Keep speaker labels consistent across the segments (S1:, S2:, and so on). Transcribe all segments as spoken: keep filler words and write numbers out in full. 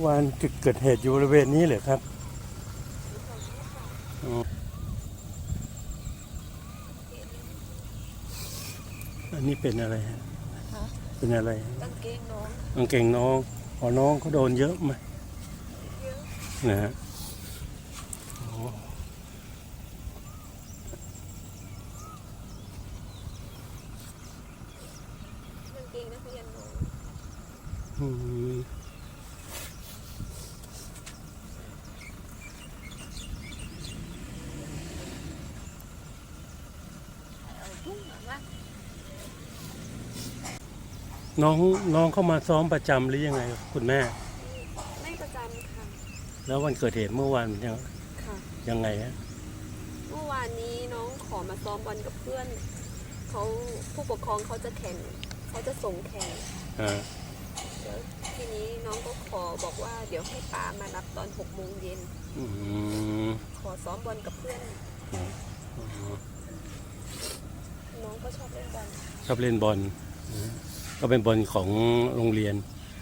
S1: วานจุดเกิดเหตุอยู่บริเวณนี้เหรอครับอันนี้เป็นอะไรฮะเป็นอะไร
S2: กางเกงน้อง
S1: กางเกงน้องพอน้องเขาโดนเยอะไหม
S2: เยอะ
S1: นะฮะ
S2: กางเกงนักเรียนน้อง
S1: อืมน้องน้องเข้ามาซ้อมประจำหรือยังไงคุณแม่
S2: ไม่ประจำค่ะ
S1: แล้ววันเกิดเหตุเมื่อวานยัง
S2: ค่ะ
S1: ยังไงฮะ
S2: เมื่อวานนี้น้องขอมาซ้อมบอลกับเพื่อนเขาผู้ปกครองเขาจะแข่งเขาจะส่งแข่งแล้วทีนี้น้องก็ขอบอกว่าเดี๋ยวให้ป๋ามารับตอนหกโมงเย็นขอซ้อมบอลกับเพื่อนน้องก็ชอบเล่นบอล
S1: ชอบเล่นบอลก็เป็นบอลของโรงเรียน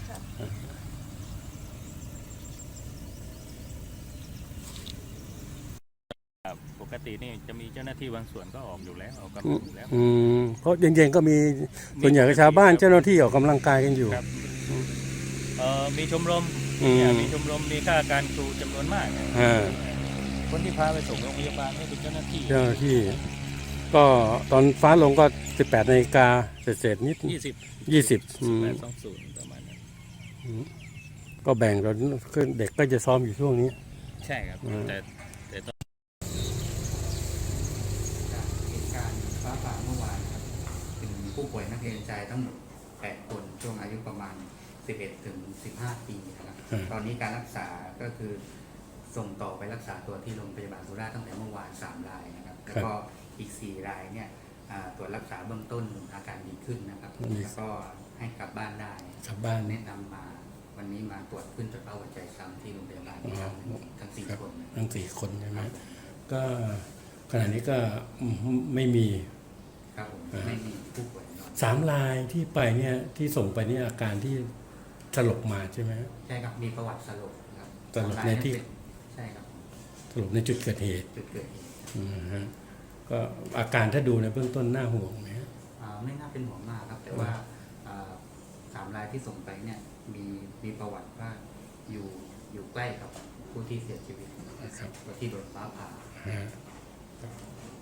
S3: ปกตินี่จะมีเจ้าหน้าที่บางส่วนก็ออกอยู่แล้วออกกำลังอยู่แล้ว
S1: เพราะเย็นๆก็มีส่วนใหญ่ชาวบ้านเจ้าหน้าที่ออกกำลังกายกันอยู่
S3: มีชมรมมีชมรมมีข้าราชการครูจำนวนมากคนที่พาไปส่งโรงพยาบาลนี่เป็นเจ้าหน้าที่
S1: เจ้าหน้าที่ก็ตอนฟ้าลงก็สิบแปดนาฬิกาเศษๆนิด
S3: ยี่สิบ
S1: ยี่สิบ
S3: แปดสองศูนย์ประมาณนั้น
S1: ก็แบ่งกันเด็กก็จะซ้อมอยู่ช่วงนี้
S3: ใช่ครับแต่แต่ตอน
S4: เหตุการณ์ฟ้าผ่าเมื่อวานครับเป็นผู้ป่วยนักเรียนชายทั้งหมดแปดคนช่วงอายุประมาณสิบเอ็ดถึงสิบห้าปีนะครับตอนนี้การรักษาก็คือส่งต่อไปรักษาตัวที่โรงพยาบาลสุราษฎร์ตั้งแต่เมื่อวานสามรายนะครับแล้วก็อีกสี่รายเนี่ยตรวจรักษาเบื้องต้นอาการดีขึ้นนะครับแล้วก็ให้กลับบ้านได้
S1: กลับบ้าน
S4: แนะนำมาวันนี้มาตรวจขึ้นจดเป้าหัวใจซ้ำที่โรงพยาบาลทั้งสี่คน
S1: ทั้งสี่คนใช่ไหมก็ขณะนี้ก็ไม่มี
S4: ครับผมไม่มีผู้ป่วย
S1: สามรายที่ไปเนี่ยที่ส่งไปนี่อาการที่สลบมาใช่ไหม
S4: ใช่ครับมีประวัติสลบครับ
S1: สลบในที่
S4: ใช่ครับ
S1: สลบในจุดเกิดเหตุ
S4: จุดเกิดเหตุ
S1: ก็อาการถ้าดูในเบื้องต้นน่าห่วงไหม
S4: ไม่น่าเป็นห่วงมากครับแต่ว่าสามรายที่ส่งไปเนี่ยมีมีประวัติว่าอยู่อยู่ใกล้กับผู้ที่เสียชีวิตที่โดนฟ้าผ่า